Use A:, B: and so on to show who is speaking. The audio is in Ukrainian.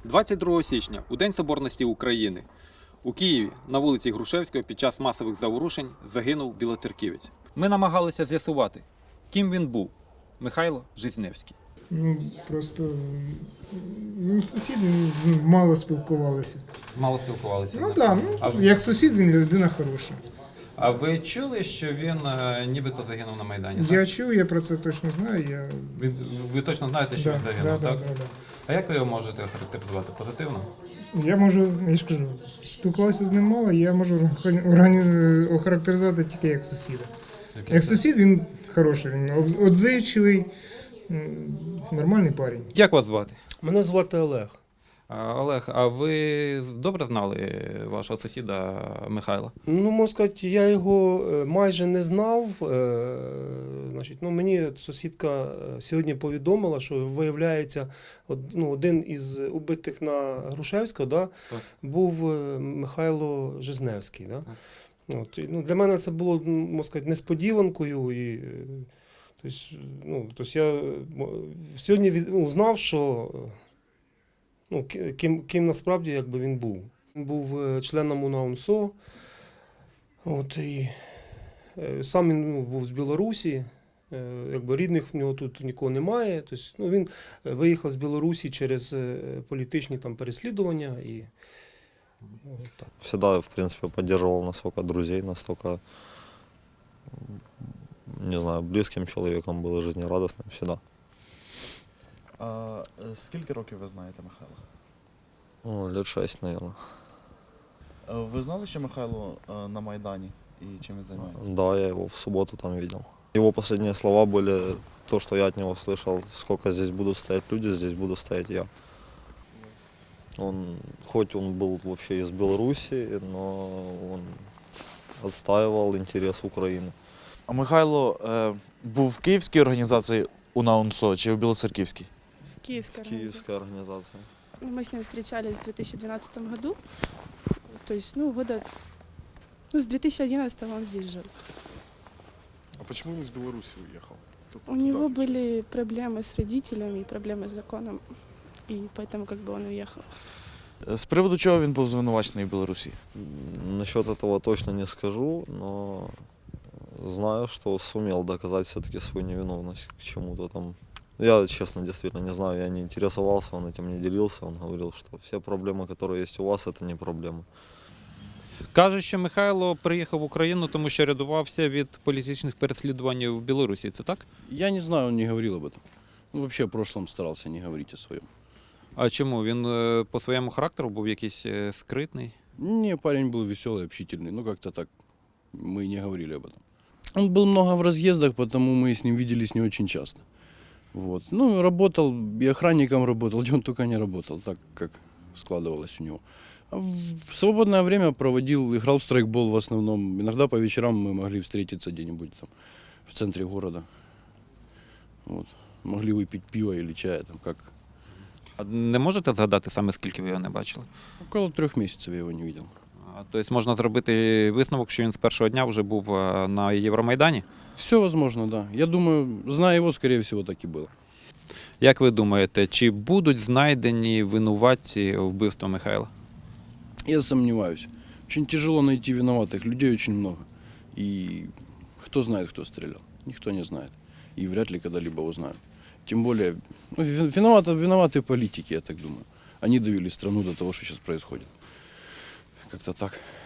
A: 22 січня, у День Соборності України, у Києві на вулиці Грушевського під час масових заворушень загинув білоцерківець. Ми намагалися з'ясувати, ким він був – Михайло Жизневський.
B: Просто сусіди мало спілкувалися.
A: Мало спілкувалися з ним?
B: Так, як сусід він людина хороша.
A: А ви чули, що він нібито загинув на Майдані?
B: Я чув, я про це точно знаю.
A: Ви точно знаєте, що він загинув, так?
B: Да.
A: А як ви його можете охарактеризувати? Позитивно?
B: Я можу, я ж кажу, спілкувався з ним мало, я можу охарактеризувати тільки як сусіда. Як сусід він хороший, він відзивчивий, нормальний парень.
A: Як вас звати?
C: Мене звати Олег.
A: Олег, а ви добре знали вашого сусіда Михайла?
C: Можна сказати, я його майже не знав. Мені сусідка сьогодні повідомила, що, виявляється, один із убитих на Грушевського був Михайло Жизневський. Для мене це було, можна сказати, несподіванкою. Я сьогодні знав, що ким насправді він був. Він був членом УНАУНСО, сам він був з Білорусі, рідних в нього тут нікого немає. Він виїхав з Білорусі через політичні переслідування.
D: Всегда, в принципе, поддерживал настолько друзей, настолько, не знаю, близким человеком был, жизнерадостным всегда.
E: Скільки років ви знаєте Михайла?
D: Лет 6, наверное.
E: Ви знали, що Михайло на Майдані і чим він займається?
D: Да, я его в субботу там видел. Его последние слова были то, что я от него слышал: сколько здесь будут стоять люди, здесь буду стоять я. Хоть он был вообще из Беларуси, но он отстаивал интерес Украины.
E: А Михайло був в київській організації УНАУНСО чи в Білоцерківській?
F: В Киевской организации.
D: Киевская организация.
F: Мы с ним встречались в 2012 году. То есть, с 2011 он здесь жил.
G: А почему он из Беларуси уехал?
F: У него были проблемы с родителями, проблемы с законом, и поэтому он уехал.
E: З приводу чого він був звинувачений в Білорусі?
D: Насчет этого точно не скажу, но знаю, что сумел доказать все-таки свою невиновность к чему-то там. Я, честно, действительно не знаю, я не интересовался, он этим не делился, он говорил, что все проблемы, которые есть у вас, это не проблемы.
A: Кажуть, що Михайло приїхав в Україну, тому що рятувався від політичних переслідувань в Білорусі. Це так?
H: Я не знаю, он не говорил об этом. Вообще в прошлом старался не говорить о своем.
A: А чому? Він по своєму характеру був якийсь скритний?
H: Не, парень был веселый, общительный, как-то так. Мы не говорили об этом. Он был много в разъездах, потому мы с ним виделись не очень часто. Работал, и охранником работал, где он только не работал, так как складывалось у него. А в свободное время проводил, играл в страйкбол в основном. Иногда по вечерам мы могли встретиться где-нибудь там в центре города. Могли выпить пиво или чая, как.
A: А не можете згадати саме, скільки ви його не бачили?
H: Около 3 месяцев я его не видел.
A: Тобто можна зробити висновок, що він з першого дня вже був на Євромайдані?
H: Все возможно, да. Я думаю, зная его, скорее всего, так и было.
A: Як ви думаєте, чи будуть знайдені винуватці вбивства Михайла?
H: Я сомневаюсь. Очень тяжело найти виноватых. Людей очень много. И кто знает, кто стрелял? Никто не знает. И вряд ли когда-либо узнают. Тем более, виноваты политики, я так думаю. Они довели страну до того, что сейчас происходит. Как-то так.